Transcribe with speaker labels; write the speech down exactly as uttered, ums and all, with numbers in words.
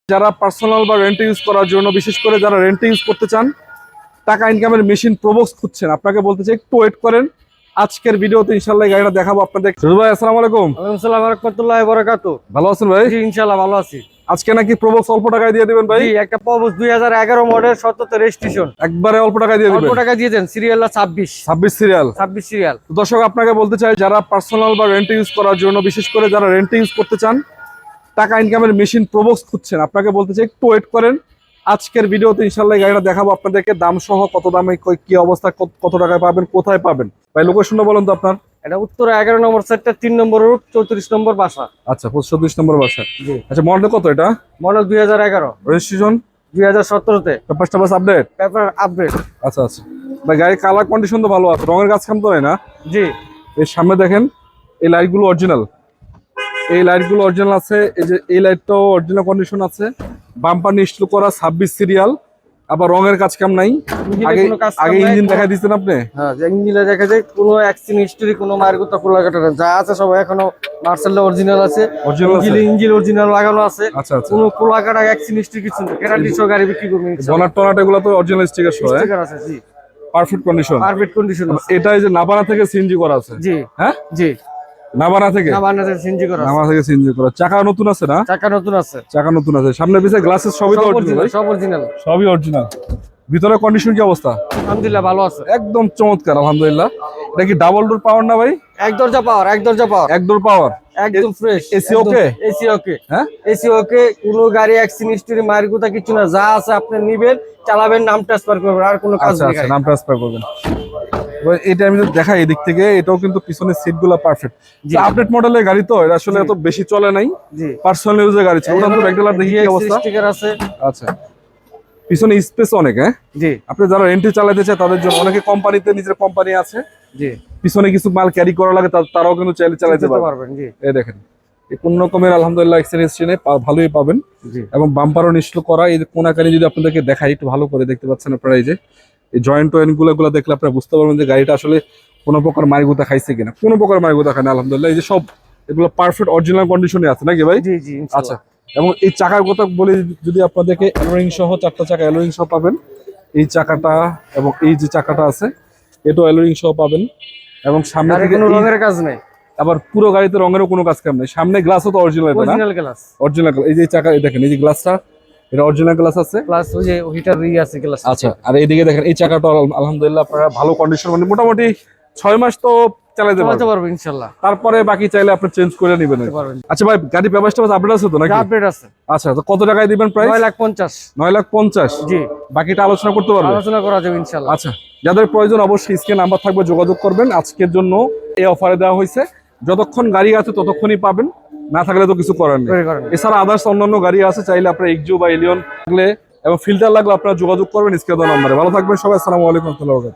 Speaker 1: যারা পার্সোনাল বা রেন্টে ইউজ করার জন্য, বিশেষ করে যারা রেন্টে ইউজ করতে চান, টাকা ইনকামের মেশিন প্রবক্স খুঁজছেন, আপনাকে বলতে চাই একটু ওয়েট করেন। আজকের ভিডিওতে ইনশাআল্লাহ গাড়িটা দেখাবো আপনাদের। সুজু ভাই, আসসালামু আলাইকুম।
Speaker 2: ওয়ালাইকুম আসসালাম ওয়া রাহমাতুল্লাহি ওয়া বারাকাতুহু।
Speaker 1: ভালো আছেন ভাই?
Speaker 2: জি ইনশাআল্লাহ ভালো আছি।
Speaker 1: আজকে নাকি প্রবক্স অল্প টাকায় দিয়ে দিবেন ভাই?
Speaker 2: জি, একটা প্রবক্স দুই হাজার এগারো মডেল সতেরো রেজিস্ট্রেশন।
Speaker 1: একবারে অল্প টাকায় দিয়ে দিবেন?
Speaker 2: অল্প টাকা দিয়ে দেন, সিরিয়াল ছাব্বিশ
Speaker 1: ছাব্বিশ সিরিয়াল।
Speaker 2: ছাব্বিশ সিরিয়াল।
Speaker 1: তো দর্শক, আপনাকে বলতে চাই যারা পার্সোনাল বা রেন্টে ইউজ করার জন্য, বিশেষ করে যারা রেন্টে ইউজ করতে চান, টাকা ইনকামের মেশিন প্রবক্স খুঁজছেন, আপনাকে বলতে চাই একটু ওয়েট করেন। আজকের ভিডিওতে ইনশাআল্লাহ গাড়িটা দেখাবো আপনাদেরকে, দাম সহ, কত দামে কি অবস্থা, কত টাকায় পাবেন, কোথায় পাবেন। ভাই লোকেশনটা বলেন তো আপনার।
Speaker 2: এটা উত্তর এগারো নম্বর সেক্টর, তিন নম্বর রুট, চৌত্রিশ নম্বর বাসা।
Speaker 1: আচ্ছা, চৌত্রিশ নম্বর বাসা।
Speaker 2: জি।
Speaker 1: আচ্ছা, মডেল কত এটা?
Speaker 2: মডেল দুই হাজার এগারো,
Speaker 1: রেজিস্ট্রেশন
Speaker 2: দুই হাজার সতেরো তে।
Speaker 1: পেপার টাপার আপডেট?
Speaker 2: Paper update.
Speaker 1: আচ্ছা আচ্ছা ভাই, গাড়ির কালার কন্ডিশন তো ভালো আছে, রঙের কাজ কাম তো হয় না?
Speaker 2: জি।
Speaker 1: এর সামনে দেখেন, এই লাইটগুলো অরিজিনাল, এই লাইটগুলো অরিজিনাল আছে। এই যে এই লাইটটাও অরিজিনাল কন্ডিশন আছে। বাম্পার নিশ্চিত করা, ছাব্বিশ সিরিয়াল, আবার রঙের কাজ কাম নাই। আগে আগে ইঞ্জিন দেখা দিচ্ছেন আপনি?
Speaker 2: হ্যাঁ, ইঞ্জিনে দেখা যায় কোনো অ্যাক্সিডেন্ট হিস্টরি, কোনো মায়ের কথা খোলা কাটা যা আছে সব এখনো মার্সেল অরিজিনাল আছে।
Speaker 1: অরিজিনাল
Speaker 2: ইঞ্জিন অরিজিনাল লাগানো আছে।
Speaker 1: আচ্ছা আচ্ছা।
Speaker 2: কোনো খোলা কাটা অ্যাক্সিডেন্ট হিস্টরি কিছু নেই। গ্যারান্টি সহ গাড়ি বিক্রি করবেন ইনশাআল্লাহ।
Speaker 1: বনাট টনাট এগুলো তো অরিজিনাল স্টিকার সহ,
Speaker 2: স্টিকার আছে। জি,
Speaker 1: পারফেক্ট কন্ডিশন,
Speaker 2: পারফেক্ট কন্ডিশন আছে।
Speaker 1: এটা এই যে নাবানা থেকে সিএনজি করা আছে?
Speaker 2: জি।
Speaker 1: হ্যাঁ
Speaker 2: জি,
Speaker 1: নাবানা থেকে।
Speaker 2: নাবানা থেকে সিএনজি করা আছে।
Speaker 1: নাবানা থেকে সিএনজি করা। চাকা নতুন আছে না?
Speaker 2: চাকা নতুন আছে।
Speaker 1: চাকা নতুন আছে, সামনে পিছে গ্লাসেস সবই তো অরিজিনাল?
Speaker 2: সব অরিজিনাল,
Speaker 1: সবই অরিজিনাল। ভিতরে কন্ডিশন কি অবস্থা?
Speaker 2: আলহামদুলিল্লাহ ভালো আছে,
Speaker 1: একদম চমৎকার আলহামদুলিল্লাহ। এটা কি ডাবল ডোর পাওয়ার না ভাই?
Speaker 2: এক দরজা পাওয়ার, এক দরজা পাওয়ার,
Speaker 1: এক ডোর পাওয়ার,
Speaker 2: একদম fresh.
Speaker 1: AC okay?
Speaker 2: AC okay.
Speaker 1: হ্যাঁ,
Speaker 2: এসি ওকে। কোনো গাড়ি অ্যাক্সিডেন্ট হিস্টরি মায়ের কথা কিছু না, যা আছে আপনি নিবেন, চালাবেন, নাম ট্রান্সফার করবেন, আর কোনো কাজ
Speaker 1: আচ্ছা
Speaker 2: নেই।
Speaker 1: আচ্ছা, নাম ট্রান্সফার করবেন। এটা আমি যদি দেখাই এদিক থেকে, এটাও কিন্তু পিছনের সিটগুলো পারফেক্ট। আপডেট মডেলের গাড়ি তো, এটা আসলে এত বেশি চলে নাই।
Speaker 2: জি,
Speaker 1: পার্সোনাল ইউজের গাড়ি ছিল। ওটা তো ব্যাকডলার দেখি কি অবস্থা?
Speaker 2: স্টিকার আছে।
Speaker 1: আচ্ছা, পিছনে স্পেস অনেক। হ্যাঁ
Speaker 2: জি।
Speaker 1: আপনি যারা রেন্টে চালাতে চায় তাদের জন্য, অনেকে কোম্পানিতে নিজের কোম্পানি আছে,
Speaker 2: জি,
Speaker 1: পিছনে কিছু মাল ক্যারি করা লাগে, তারাও কিন্তু চাইলে চালাতে পারবেন।
Speaker 2: জি,
Speaker 1: এই দেখেন, এই কোন রকমের আলহামদুলিল্লাহ এক্সপিরিয়েন্স ভালোই পাবেন।
Speaker 2: জি।
Speaker 1: এবং বাম্পারও নিশ্চিত করা। এই যে কোনাকানি যদি আপনাদেরকে দেখাই একটু ভালো করে, দেখতে পাচ্ছেন আপনারা, এই যে এই জয়েন্ট ওয়েন গুলো গুলো দেখলে আপনারা বুঝতে পারবেন যে গাড়িটা আসলে কোনো প্রকার মারিগুতা খাইছে কিনা। কোনো প্রকার মারিগুতা খায় না আলহামদুলিল্লাহ। এই যে সব এগুলো পারফেক্ট অরিজিনাল কন্ডিশনে আছে নাকি ভাই?
Speaker 2: জি জি।
Speaker 1: আচ্ছা, এবং এই চাকার কথা বলে যদি আপনাদেরকে অ্যালোরিং সহ চারটা চাকা অ্যালোরিং সহ পাবেন। এই চাকাটা এবং এই যে চাকাটা আছে, এটাও অ্যালোরিং সহ পাবেন। এবং সামনে থেকে
Speaker 2: কোনো রঙের কাজ নেই,
Speaker 1: আবার পুরো গাড়িতে রঙেরও কোনো কাজ কাম নেই। সামনে গ্লাসও তো অরিজিনাল,
Speaker 2: অরিজিনাল গ্লাস।
Speaker 1: অরিজিনাল। এই যে চাকা দেখেন, এই যে গ্লাসটা, এটা অরিজিনাল গ্লাস আছে,
Speaker 2: প্লাস ওই যে হিটার ই আছে গ্লাস।
Speaker 1: আচ্ছা, আর এইদিকে দেখেন এই চাকাটা আলহামদুলিল্লাহ আপনারা ভালো কন্ডিশন, মানে মোটামুটি ছয় মাস তো চালাতে পারবেন
Speaker 2: ইনশাআল্লাহ।
Speaker 1: তারপরে বাকি চাইলে আপনি চেঞ্জ করে নেবেন। আচ্ছা ভাই, গাড়ি ব্যবস্থা আপডেট আছে তো নাকি?
Speaker 2: আপডেট আছে।
Speaker 1: আচ্ছা, তো কত টাকায় দিবেন প্রাইস?
Speaker 2: নয় লাখ পঞ্চাশ।
Speaker 1: নয় লাখ পঞ্চাশ।
Speaker 2: জি।
Speaker 1: বাকিটা আলোচনা করতে পারবেন?
Speaker 2: আলোচনা করা যাবে ইনশাআল্লাহ।
Speaker 1: আচ্ছা, যাদের প্রয়োজন অবশ্যই স্ক্রিনে নাম্বার থাকবে, যোগাযোগ করবেন। আজকের জন্য এই অফারে দেওয়া হয়েছে, যতক্ষণ গাড়ি আছে ততক্ষণই পাবেন, না থাকলে তো কিছু করার নেই। এছাড়া আদার্স অন্যান্য গাড়ি আছে, চাইলে আপনার এক্সজো বা এলিয়ন থাকলে এবং ফিল্টার লাগলে আপনারা যোগাযোগ করবেন স্ক্রিনে দেওয়া নম্বরে। ভালো থাকবেন সবাই, আসসালামু আলাইকুম ওয়া রাহমাতুল্লাহি ওয়া বারাকাতুহু।